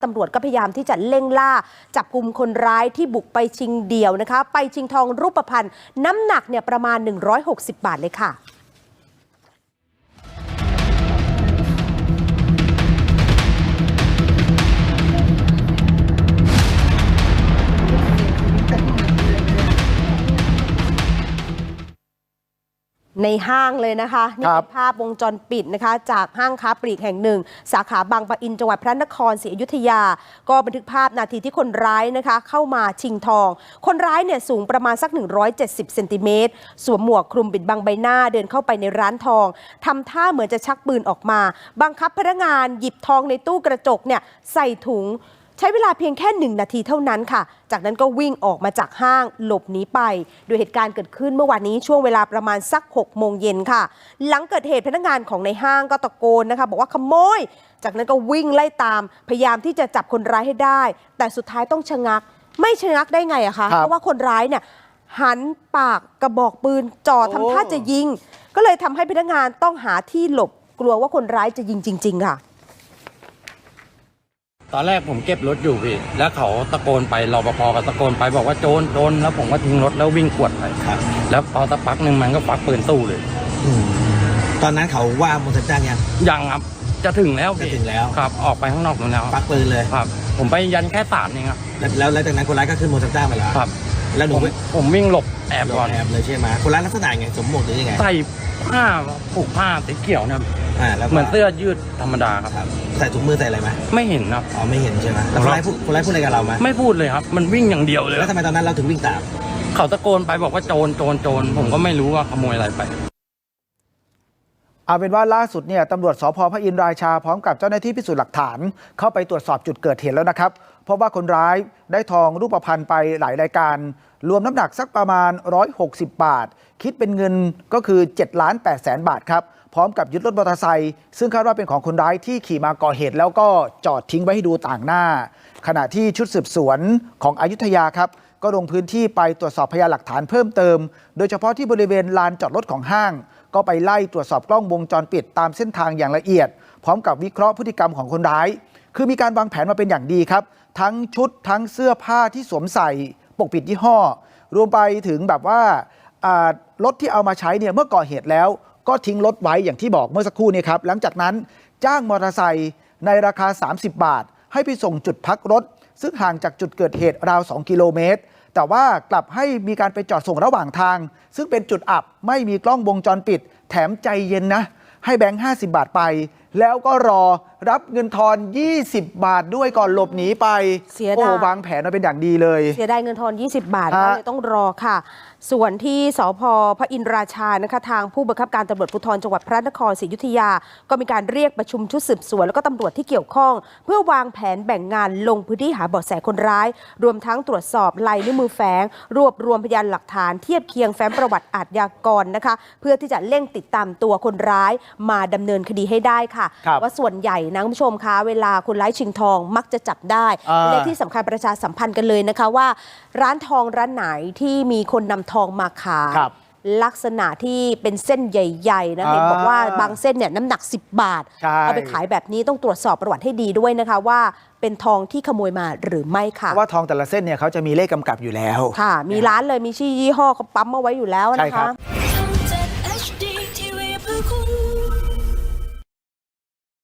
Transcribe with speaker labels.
Speaker 1: ตำรวจก็พยายามที่จะเร่งล่าจับกุมคนร้ายที่บุกไปชิงเดี่ยวนะคะไปชิงทองรูปพรรณน้ำหนักเนี่ยประมาณ160 บาทเลยค่ะในห้างเลยนะคะนี่เป็นภาพวงจรปิดนะคะจากห้างค้าปลีกแห่งหนึ่งสาขาบางปะอินจังหวัดพระนครศรีอยุธยาก็บันทึกภาพนาทีที่คนร้ายนะคะเข้ามาชิงทองคนร้ายเนี่ยสูงประมาณสัก170 เซนติเมตรสวมหมวกคลุมปิดบังใบหน้าเดินเข้าไปในร้านทองทำท่าเหมือนจะชักปืนออกมาบังคับพนักงานหยิบทองในตู้กระจกเนี่ยใส่ถุงใช้เวลาเพียงแค่1 นาทีเท่านั้นค่ะจากนั้นก็วิ่งออกมาจากห้างหลบหนีไปโดยเหตุการณ์เกิดขึ้นเมื่อวานนี้ช่วงเวลาประมาณสัก6 โมงเย็นค่ะหลังเกิดเหตุพนักงานของในห้างก็ตะโกนนะคะบอกว่าขโมยจากนั้นก็วิ่งไล่ตามพยายามที่จะจับคนร้ายให้ได้แต่สุดท้ายต้องชะงักไม่ชะงักได้ไงอะคะเพราะว่าคนร้ายเนี่ยหันปากกระบอกปืนจ่อทำท่าจะยิงก็เลยทำให้พนักงานต้องหาที่หลบกลัวว่าคนร้ายจะยิงจริงๆค่ะ
Speaker 2: ตอนแรกผมเก็บรถอยู่พี่แล้วเขาตะโกนไปรปภก็ตะโกนไปบอกว่าโจรโจรแล้วผมก็ทิ้งรถแล้ววิ่งกวดไปครับแล้วพอสักพักหนึ่งมันก็ปักปืนสู้เลย
Speaker 3: ตอนนั้นเขาว่าโมทันจ้าง
Speaker 2: ยังครับจะถึงแล้วครับออกไปข้างนอกแล้ว
Speaker 3: ปักปืนเลย
Speaker 2: ครับผมไปยันแค่ศาลเองครับ
Speaker 3: แล้วจากนั้นคนร้ายก็ขึ้นโมทันจ้างไปแล้ว
Speaker 2: ครับ
Speaker 3: แล้วหนู
Speaker 2: ผมวิ่งหลบแอบก่อน
Speaker 3: แอบเลยใช่ไหมคนร้ายลักษณะไงสมมติหรือยังไง
Speaker 2: ใส่ผ้าผูกผ้าสีเขียวนะเหมือนเสื้อยืดธรรมดาครับ
Speaker 3: ใส่ถุงมือใส่อะไรไหม
Speaker 2: ไม่เห็นครับ
Speaker 3: อ๋อไม่เห็นใช่ไหมแล้วคนร้ายพูดอะไรกับเราไหม
Speaker 2: ไม่พูดเลยครับมันวิ่งอย่างเดียวเลย
Speaker 3: แล้วทำไมตอนนั้นเราถึงวิ่งตาม
Speaker 2: เขาตะโกนไปบอกว่าโจรโจรโจรผมก็ไม่รู้ว่าขโมยอะไรไป
Speaker 4: เอาเป็นว่าล่าสุดเนี่ยตำรวจสภ.พระอินทราชาพร้อมกับเจ้าหน้าที่พิสูจน์หลักฐานเข้าไปตรวจสอบจุดเกิดเหตุแล้วนะครับเพราะว่าคนร้ายได้ทองรูปพรรณไปหลายรายการรวมน้ำหนักสักประมาณ160 บาทคิดเป็นเงินก็คือ7,800,000 บาทครับพร้อมกับยึดรถมอเตอร์ไซค์ซึ่งคาดว่าเป็นของคนร้ายที่ขี่มาก่อเหตุแล้วก็จอดทิ้งไว้ให้ดูต่างหน้าขณะที่ชุดสืบสวนของอยุธยาครับก็ลงพื้นที่ไปตรวจสอบพยานหลักฐานเพิ่มเติมโดยเฉพาะที่บริเวณลานจอดรถของห้างก็ไปไล่ตรวจสอบกล้องวงจรปิดตามเส้นทางอย่างละเอียดพร้อมกับวิเคราะห์พฤติกรรมของคนร้ายคือมีการวางแผนมาเป็นอย่างดีครับทั้งชุดทั้งเสื้อผ้าที่สวมใส่ปกปิดยี่ห้อรวมไปถึงแบบว่ารถที่เอามาใช้เนี่ยเมื่อก่อเหตุแล้วก็ทิ้งรถไว้อย่างที่บอกเมื่อสักครู่นี้ครับหลังจากนั้นจ้างมอเตอร์ไซค์ในราคา30 บาทให้ไปส่งจุดพักรถซึ่งห่างจากจุดเกิดเหตุราว2 กิโลเมตรแต่ว่ากลับให้มีการไปจอดส่งระหว่างทางซึ่งเป็นจุดอับไม่มีกล้องวงจรปิดแถมใจเย็นนะให้แบงค์50 บาทไปแล้วก็รอรับเงินทอน20 บาทด้วยก่อนหลบหนีไปโอ้วางแผนมาเป็นอย่างดีเลย
Speaker 1: เสียดายเงินทอน20 บาทก็เลยต้องรอค่ะส่วนที่สภ.พระอินทราชานะคะทางผู้บังคับการตำรวจภูธรจังหวัดพระนครศรีอยุธยาก็มีการเรียกประชุมชุดสืบสวนแล้วก็ตำรวจที่เกี่ยวข้องเพื่อวางแผนแบ่งงานลงพื้นที่หาเบาะแสคนร้ายรวมทั้งตรวจสอบลายนิ้วมือแฝงรวบรวมพยานหลักฐานเทียบเคียงแฟ้มประวัติอาชญากรนะคะเพื่อที่จะเร่งติดตามตัวคนร้ายมาดำเนินคดีให้ได้ค่ะว่าส่วนใหญ่นะคุณผู้ชมคะเวลาคนร้ายชิงทองมักจะจับได้และที่สำคัญประชาสัมพันธ์กันเลยนะคะว่าร้านทองร้านไหนที่มีคนนำทองมาขายลักษณะที่เป็นเส้นใหญ่ๆนะเห็นบอกว่าบางเส้นเนี่ยน้ำหนัก10 บาทเอาไปขายแบบนี้ต้องตรวจสอบประวัติให้ดีด้วยนะคะว่าเป็นทองที่ขโมยมาหรือไม่ค่ะ
Speaker 4: เพราะว่าทองแต่ละเส้นเนี่ยเขาจะมีเลขกำกับอยู่แล้ว
Speaker 1: ค่ะมีร้านเลยมีชื่อยี่ห้อเขาปั๊มเอาไว้อยู่แล้วนะคะ